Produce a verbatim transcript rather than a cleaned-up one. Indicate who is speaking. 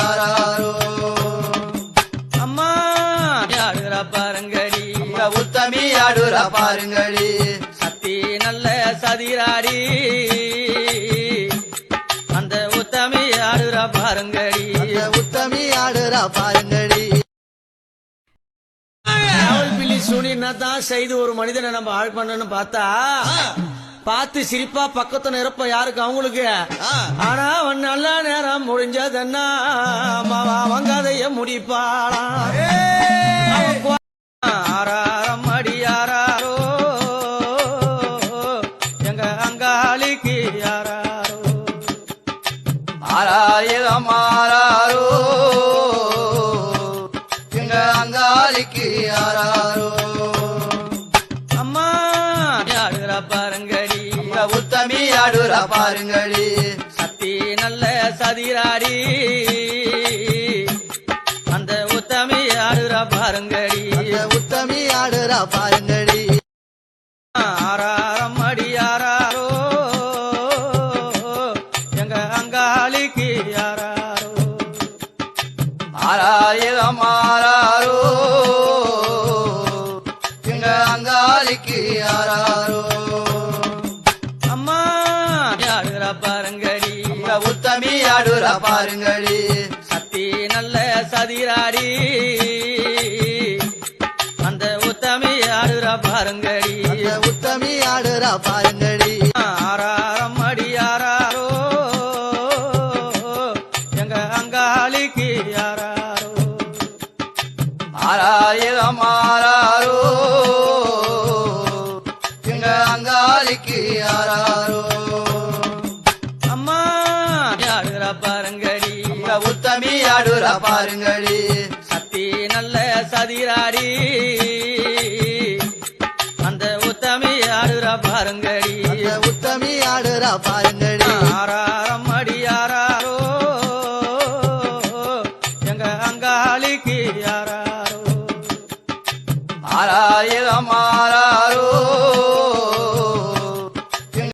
Speaker 1: யாராரோ
Speaker 2: அம்மா ஆடுறா பாருங்கடி
Speaker 1: உத்தமி ஆடுறா பாருங்கடி
Speaker 2: சக்தி நல்ல சதிராடி அந்த உத்தமி ஆடுறா பாருங்கடி
Speaker 1: உத்தமி ஆடுறா பாருங்கடி
Speaker 2: பிள்ளி சுனின்னா தான் செய்து ஒரு மனிதனை நம்ம ஆள் பண்ணணும்னு பார்த்தா பார்த்து சிரிப்பா பக்கத்து நிரப்ப யாருக்கு அவங்களுக்கு ஆனா அவன் நல்ல நேரம் முடிஞ்சதுன்னா அவங்க அதைய முடிப்பாளாம் ஆறாரம் அடி யாராரோ எங்க அங்காளிக்கு யாராரோ
Speaker 1: ஆறாயிரம் ஆறாரோ எங்க அங்காளிக்கு யாராரோ
Speaker 2: அம்மா ஆடுறா பாருங்கடி
Speaker 1: உத்தமி ஆடுறா பாருங்கடி
Speaker 2: சக்தி நல்ல சதிராடி அந்த உத்தமி ஆடுறா பாருங்கடி
Speaker 1: உத்தமி ஆடுறா பாருங்கடி
Speaker 2: ஆறாரம் அடி யாராரோ எங்க அங்காளிக்கு யாராரோ
Speaker 1: ஆறாயிரம் ஆறாரோ எங்க அங்காளிக்கு யாராரோ
Speaker 2: அம்மா ஆடுறா பாருங்கடி
Speaker 1: உத்தமி ஆடுறா பாருங்கடி
Speaker 2: சக்தி நல்ல சதிராடி அந்த உத்தமி ஆடுறா பாருங்கடி
Speaker 1: உத்தமி ஆடுறா பாருங்கடி
Speaker 2: ஆறாரம் அடி யாராரோ எங்க அங்காளிக்கு யாராரோ
Speaker 1: ஆறாயிரம் ஆறாரோ எங்க அங்காளிக்கு யாராரோ
Speaker 2: அம்மா ஆடுறா பாருங்கடி
Speaker 1: உத்தமி ஆடுறா பாருங்கடி
Speaker 2: சக்தி நல்ல சதிராடி அந்த உத்தமி ஆடுறா பாருங்கடி
Speaker 1: உத்தமி ஆடுறா பாருங்கடி
Speaker 2: ஆறாரம் அடி யாராரோ எங்க அங்காளிக்கு யாராரோ
Speaker 1: ஆறாயிரம் ஆறாரோ